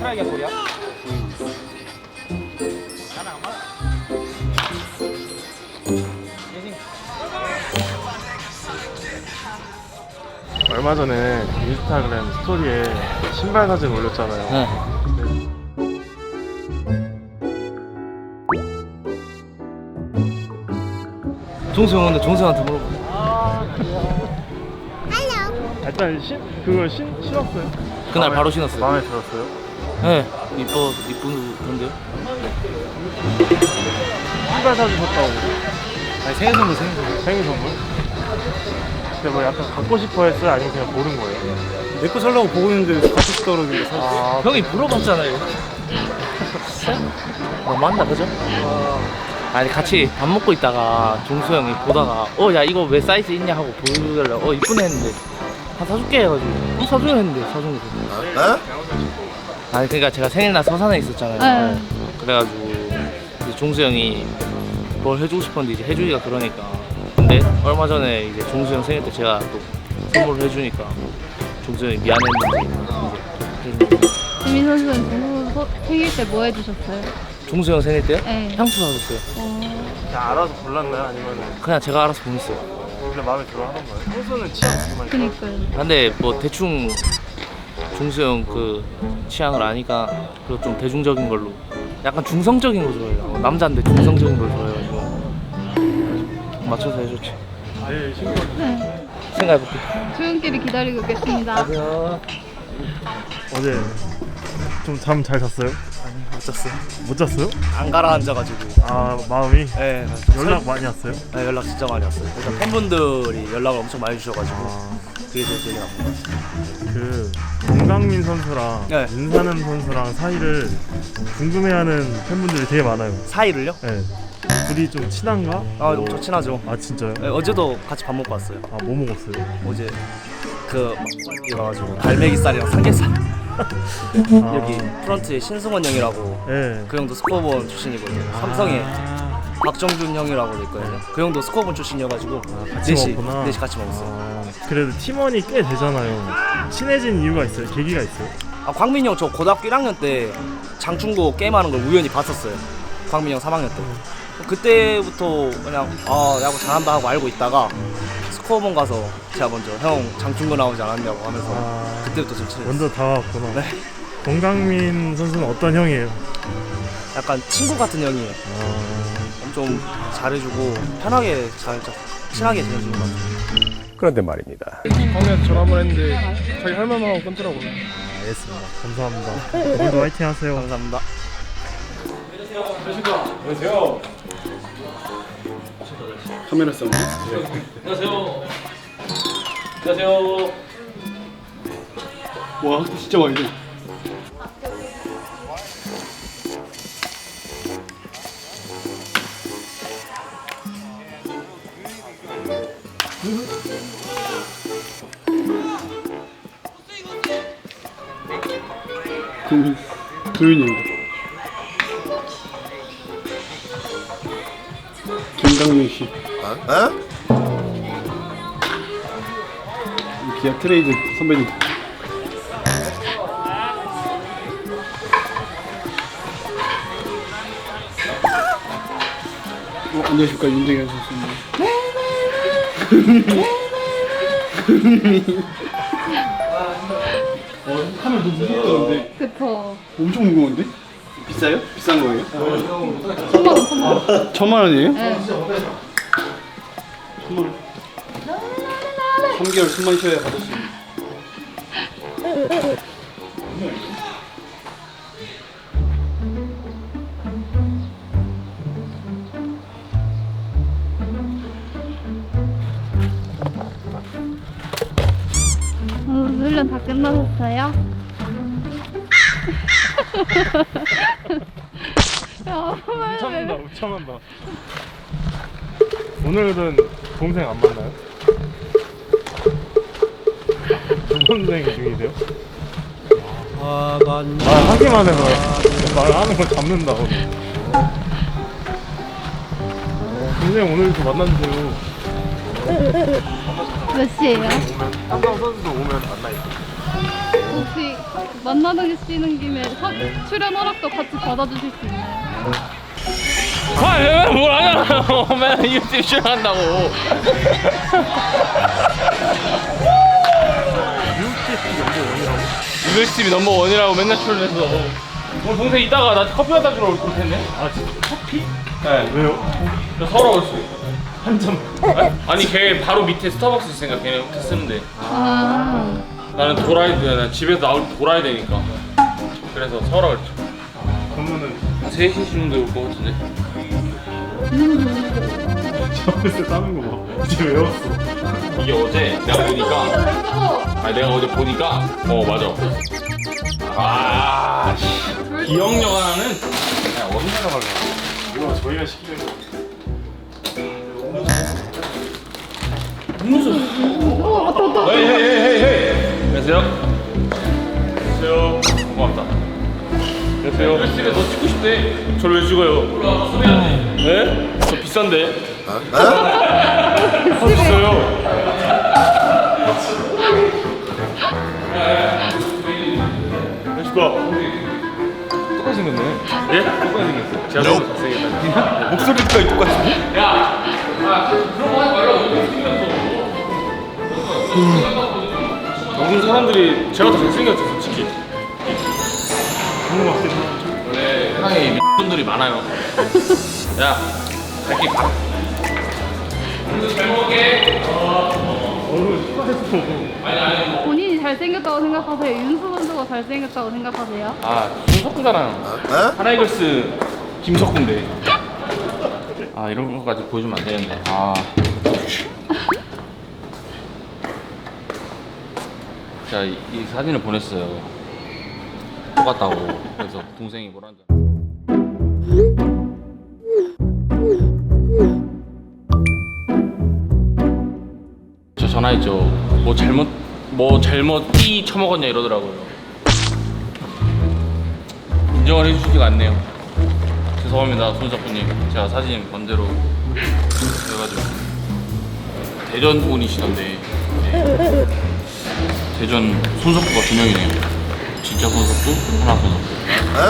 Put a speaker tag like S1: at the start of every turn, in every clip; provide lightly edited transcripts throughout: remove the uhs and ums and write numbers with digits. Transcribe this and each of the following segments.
S1: 심하게 소리야?
S2: 얼마 전에 인스타그램 스토리에 신발 사진 올렸잖아요.
S1: 네. 종수 형인데 종수 형한테 물어봐.
S2: 일단 그거 신었어요?
S1: 그날 바로 신었어요.
S2: 마음에 들었어요?
S1: 네, 이쁜던데요?
S2: 신발 사주셨다고.
S1: 아니 생일 선물.
S2: 생일 선물? 근데 뭐 약간 갖고 싶어 했어요? 아니면 그냥 고른 거예요?
S3: 내 거 살라고 보고 있는데 갖고 싶다 그러길래 샀어.
S2: 아,
S1: 형이 물어봤잖아요. 맞나 그죠? 아니 같이 밥 먹고 있다가 종수 형이 보다가 야 이거 왜 사이즈 있냐 하고 보여달라. 이쁘네 했는데 사줄게 해가지고 사줘야 했는데 사준 거죠. 아니 그러니까 제가 생일날 서산에 있었잖아요. 그래가지고 이제 종수 형이 뭘 해주고 싶었는데 이제 해주기가 그러니까. 근데 얼마 전에 이제 종수 형 생일 때 제가 또 선물을 해주니까 종수 형이 미안했는지 이제
S4: 지민 선수는 종수 생일 때 뭐 해주셨어요?
S1: 종수 형 생일 때요?
S4: 네.
S1: 향수 사줬어요.
S2: 그냥 알아서 골랐나요? 아니면
S1: 그냥 제가 알아서 보냈어요.
S2: 원래 마음에 들어 하던 거예요? 향수는 취향 정말.
S4: 그니까요.
S1: 근데 뭐 대충 종수 형 그 취향을 아니까 그리고 좀 대중적인 걸로 약간 중성적인 거 좋아해요. 남자인데 중성적인 걸 좋아해가지고 맞춰서 해줬지.
S2: 내일 신고.
S4: 네.
S1: 생각해볼게.
S4: 조용길이 기다리고 있겠습니다.
S2: 어제 좀 잠 잘 잤어요?
S1: 못 잤어요.
S2: 못 잤어요?
S1: 안 가라앉아가지고.
S2: 아, 마음이?
S1: 네.
S2: 연락 많이 왔어요?
S1: 네, 연락 진짜 많이 왔어요. 일단 팬분들이 연락을 엄청 많이 주셔가지고 그게 제일 기억에 남는 것 같아요.
S2: 그 동강민 선수랑
S1: 네.
S2: 윤사는 선수랑 사이를 궁금해하는 팬분들이 되게 많아요.
S1: 사이를요?
S2: 네. 둘이 좀 친한가?
S1: 엄청 친하죠.
S2: 아, 진짜요?
S1: 네, 어제도 같이 밥 먹고 왔어요.
S2: 아, 뭐 먹었어요?
S1: 어제 그 가가지고 갈매기살이랑 삼겹살. 여기 프런트에 신승원 형이라고
S2: 네.
S1: 그 형도 스코어본 출신이거든요. 삼성에 박정준 형이라고 돼 있거든요. 그 형도 스코어본 출신이어가지고
S2: 같이
S1: 넷이
S2: 먹었구나.
S1: 넷이 같이 먹었어요.
S2: 아, 그래도 팀원이 꽤 되잖아요. 친해진 이유가 있어요? 계기가 있어요?
S1: 광민이 형 저 고등학교 1학년 때 장충고 게임하는 걸 우연히 봤었어요. 광민이 형 3학년 때. 그때부터 그냥 야구 잘한다 하고 알고 있다가 스코어본 가서 제가 먼저 형 장충고 나오지 않았냐고 하면서 그때부터 좀 친해졌어요.
S2: 먼저 다가왔구나.
S1: 네.
S2: 동강민 선수는 어떤 형이에요?
S1: 약간 친구 같은 형이에요. 좀 잘해주고 편하게 친하게 지내주는 것 같아요.
S5: 그런데 말입니다.
S3: 광민한테 전화 한번 했는데 자기 할 말만 하고 끊더라고요.
S2: 알겠습니다. 감사합니다. 오늘도 화이팅 하세요.
S1: 감사합니다.
S3: 안녕하세요. 카메라 싸움.
S1: 안녕하세요. 안녕하세요.
S3: 와, 진짜 많이 돼. 도윤이입니다. 김강민 씨. 기아 트레이드 선배님. 안녕하십니까, 윤정현 선수입니다. 카메라 너무 무겁다는데.
S4: 그쵸.
S3: 엄청 무거운데? 비싸요? 비싼 거예요?
S4: 1000만 원.
S3: 1000만 원이에요?
S4: 네.
S3: 3개월 숨만 쉬어야 받을 수 있는.
S4: 훈련 다 끝나셨어요?
S2: 우참한다, 우참한다. 오늘은 동생 안 만나요? 동생 중이세요? 하기만 해서 말하는 걸 잡는다. 동생 오늘도 만나주세요.
S4: 몇 시에요?
S2: 한강 선수도 오면 만나요.
S4: 혹시 만나시는 김에 출연 허락도 같이 받아주실 수 있나요?
S1: 아, 맨날 뭘 하냐고. 맨날 유튜브 출연한다고. 유튜브 넘버원이라고 맨날 출연해서. 오늘 동생 이따가 나 커피 갖다 주러 올 텐데.
S2: 아 진짜 커피?
S1: 네.
S2: 왜요?
S1: 나 서러웠어요.
S2: 한 잔.
S1: 아니 걔 바로 밑에 스타벅스 있으니까 걔네 호텔 쓰는데
S4: 아,
S1: 나는 돌아야 돼. 난 집에서 나올 때 돌아야 되니까. 그래서 서라 그랬죠.
S2: 그러면은
S1: 3시 정도 올 것 같은데.
S2: 저번에 따는 거 봐. 이제 외웠어.
S1: 이게 어제 내가 보니까 아니 내가 어제 보니까 맞아. 아 씨. 기억력 하나는 그냥 어디 생각하려.
S2: 이거 저희가 시키는 거.
S1: 음료수. 헤이. 안녕하세요. 안녕하세요. 고맙다. 안녕하세요. 집에 너 찍고 싶대. 저를 왜 찍어요? 수배하네. 네? 저 비싼데. 비싸요. 안녕하십니까. 똑같이 생겼네. 예? 똑같이 생겼어. 제가 너무 잘생겼다.
S3: 목소리까지 똑같은데?
S1: 야! 그런 거 하지 말라고. 너무 생겼어. 모든 사람들이 제가 더 잘생겼죠, 솔직히.
S2: 그런 거 같긴 해.
S1: 원래 세상에 분들이 많아요. 야, 갈게 가. 오늘도 잘 먹을게.
S2: 얼굴 똑같았어.
S4: 본인이 잘생겼다고 생각하세요? 윤수 선수가 잘생겼다고 생각하세요?
S1: 아, 김석구잖아요. 하나이글스 김석구인데. 아, 이런 것까지 보여주면 안 되는데. 아. 제가 이 사진을 보냈어요. 똑같다고. 그래서 동생이 뭐라는지. 저 전화했죠. 뭐 잘못 띠 처먹었냐 이러더라고요. 인정을 해주시지가 않네요. 죄송합니다, 손석구님. 제가 사진 번대로 해가지고 대전 분이시던데. 네. 대전 손석구가 2명이네요. 진짜 손석구, 하나 손석구.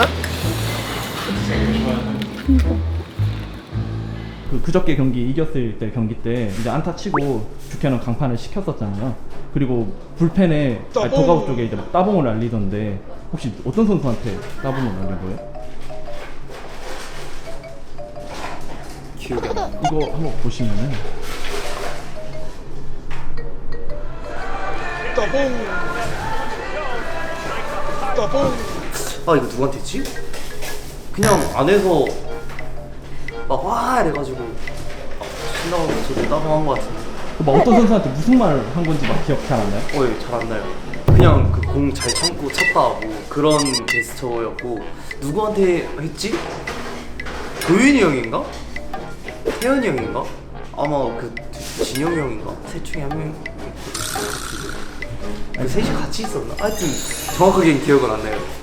S5: 그저께 경기 이겼을 때 경기 때 이제 안타 치고 주캐는 강판을 시켰었잖아요. 그리고 불펜에 도가우 쪽에 이제 막 따봉을 날리던데 혹시 어떤 선수한테 따봉을 날린 거예요?
S3: 기억이 안 나.
S5: 이거 한번 보시면은
S6: 아 이거 누구한테 했지? 그냥 안에서 막 와 이래가지고 신나고 저도 따봉한 것 같은데
S5: 막 어떤 선수한테 무슨 말 한 건지 막 기억 잘 안 나요?
S6: 잘 안 나요. 그냥 그 공 잘 참고 쳤다 뭐 그런 제스처였고 누구한테 했지? 도윤이 형인가? 태현이 형인가? 아마 그 진영이 형인가? 셋 중에 한 명. 그 셋이 같이 있었나? 하여튼 정확하게는 기억은 안 나요.